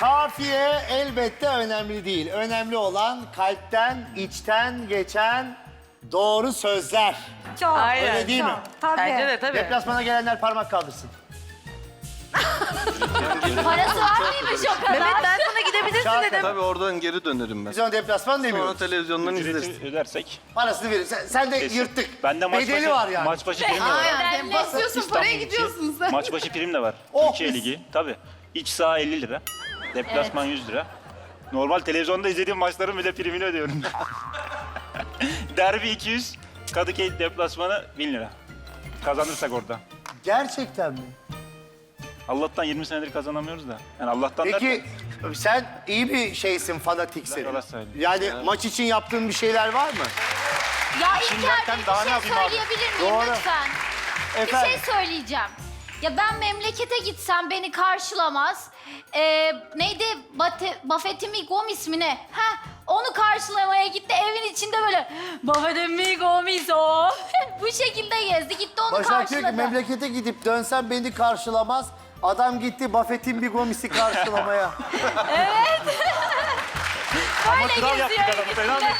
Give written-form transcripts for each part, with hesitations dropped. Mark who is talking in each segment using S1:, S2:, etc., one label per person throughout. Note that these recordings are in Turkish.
S1: Kafiye elbette önemli değil. Önemli olan kalpten, içten geçen doğru sözler.
S2: Çok.
S3: Aynen.
S1: Öyle değil mi?
S2: Tabii.
S3: Bence de tabii.
S1: Deplasmana gelenler parmak kaldırsın.
S4: Parası var mıymış o kadar?
S3: Mehmet ben sana gidebilirsin
S1: Şarkı.
S3: dedim.
S5: Tabii oradan geri dönerim ben.
S1: Biz ona deplasman
S5: Sonra
S1: demiyoruz.
S5: televizyondan izleriz.
S6: Ücreti ödersek.
S1: Parasını verir. Sen de
S6: kesin.
S1: yırttık.
S6: Bende maç
S1: Bedeli
S6: başı,
S1: var yani.
S6: maç başı prim de var.
S4: Ben ne istiyorsun?
S6: İstanbul için maç başı prim de var.
S1: Oh,
S6: Türkiye
S1: mis.
S6: Ligi. Tabii. İç saha 50 lira. Deplasman 100 lira. Normal televizyonda izlediğim maçların bile primini ödüyorum. Derbi 200. Kadıköy deplasmanı 1000 lira. Kazanırsak orada.
S1: Gerçekten mi?
S6: Allah'tan 20 senedir kazanamıyoruz da. Yani Allah'tan
S1: Peki sen iyi bir şeysin, fanatiksin.
S6: Ben Galatasaraylıyım.
S1: Yani maç için yaptığın bir şeyler var mı?
S4: Ya
S6: Şimdi
S4: İlker
S6: zaten
S4: bir
S6: daha ne
S4: şey
S6: yapayım abi?
S4: söyleyebilir miyim
S1: Doğru.
S4: lütfen?
S1: Efendim?
S4: Bir şey söyleyeceğim. Ya ben memlekete gitsem beni karşılamaz. Neydi? Buffett mi Gomis mi ne? Heh, onu karşılamaya gitti. Evin içinde böyle Buffett mi Gomis o. Bu şekilde gezdi. Gitti onu
S1: Başak diyor
S4: karşıladı.
S1: ki memlekete gidip dönsem beni karşılamaz. Adam gitti Buffett'in bir gomisi karşılamaya.
S4: Böyle
S6: Kral yaptık
S4: geziyor.
S6: adamı. Helal olsun.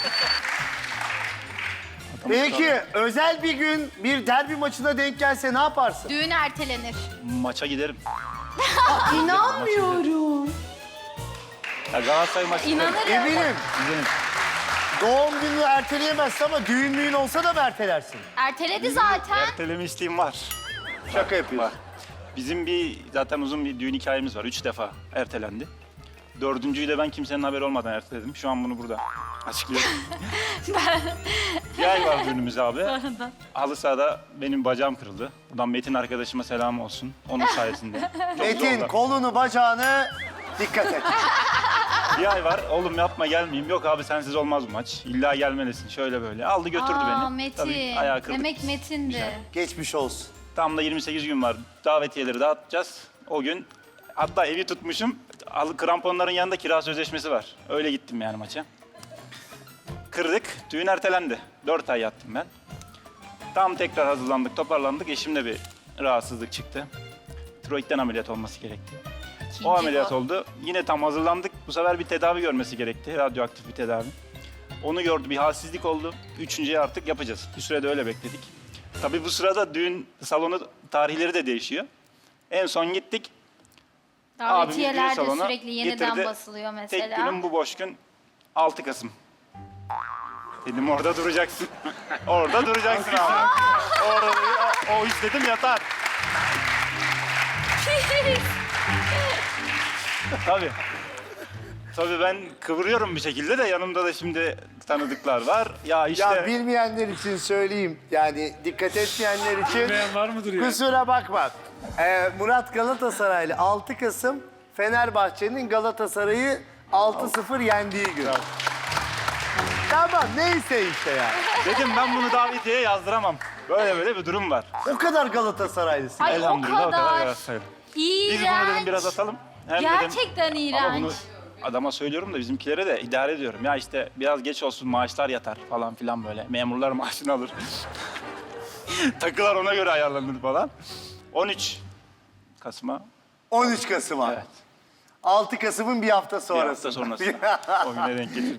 S1: Peki özel bir gün bir derbi maçına denk gelse ne yaparsın?
S4: Düğün ertelenir.
S6: Maça giderim.
S4: İnanmıyorum.
S6: Ya Galatasaray maçı giderim.
S4: İnanırım.
S1: Eminim.
S6: Giderim.
S1: Doğum gününü erteleyemezsin ama düğün olsa da mı ertelersin?
S4: Erteledi zaten.
S6: Erteleme isteğim var.
S1: Şaka yapıyorsun.
S6: Var. Bizim zaten uzun bir düğün hikayemiz var. 3 defa ertelendi. Dördüncüyü de ben kimsenin haberi olmadan erteledim. Şu an bunu burada açıklıyorum. Bir ay var düğünümüz abi. Halı sahada benim bacağım kırıldı. Buradan Metin arkadaşıma selam olsun. Onun sayesinde. Çok
S1: Metin
S6: zorla.
S1: kolunu bacağını dikkat et.
S6: Bir ay var. Oğlum yapma gelmeyeyim. Yok abi sensiz olmaz bu maç. İlla gelmelisin. Şöyle böyle. Aldı götürdü
S4: Aa,
S6: beni.
S4: Metin.
S6: Tabii ayağı kırdık.
S4: Demek Metin'di.
S1: Geçmiş olsun.
S6: Tam da 28 gün var. Davetiyeleri dağıtacağız. O gün hatta evi tutmuşum. Kramponların yanında kira sözleşmesi var. Öyle gittim yani maça. Kırdık. Düğün ertelendi. 4 ay yattım ben. Tam tekrar hazırlandık, toparlandık. Eşimde bir rahatsızlık çıktı. Tiroidden ameliyat olması gerekti.
S4: İkinci
S6: O ameliyat
S4: bu.
S6: oldu. Yine tam hazırlandık. Bu sefer bir tedavi görmesi gerekti. Radyoaktif bir tedavi. Onu gördü. Bir halsizlik oldu. Üçüncüye artık yapacağız. Bir sürede öyle bekledik. Tabii bu sırada düğün salonu tarihleri de değişiyor. En son gittik.
S4: Davetiyeler de
S6: salona
S4: sürekli yeniden
S6: getirdi.
S4: basılıyor
S6: Tek
S4: mesela.
S6: günüm bu boş gün 6 Kasım. Dedim orada duracaksın. Orada duracaksın abi. Orada o iş dedim yatar. Tabii. Tabii ben kıvırıyorum bir şekilde de yanımda da şimdi tanıdıklar var. Ya işte
S1: Ya bilmeyenler için söyleyeyim. Yani dikkat etmeyenler için.
S7: Bilmeyen var mıdır ya?
S1: Kusura bakma. Murat Galatasaraylı 6 Kasım Fenerbahçe'nin Galatasaray'ı 6-0 yendiği gün. Tamam neyse işte ya.
S6: dedim ben bunu davetiye yazdıramam. Böyle bir durum var.
S1: O kadar Galatasaraylısın.
S4: Ay
S6: Elhamdülillah
S4: o
S6: o kadar
S4: kadar.
S6: Galatasaraylı.
S4: İğrenç.
S6: Biz bunu dedim biraz atalım. Hem
S4: Gerçekten
S6: dedim, ama bunu
S4: iğrenç.
S6: adama söylüyorum da bizimkilere de idare ediyorum. Ya işte biraz geç olsun maaşlar yatar falan filan böyle. Memurlar maaşını alır. Takılar ona göre ayarlanır falan. 13 Kasım'a
S1: 13 Kasım'a.
S6: evet.
S1: 6 Kasım'ın bir hafta
S6: Bir
S1: sonrası.
S6: hafta sonrası. O güne denk getirdik.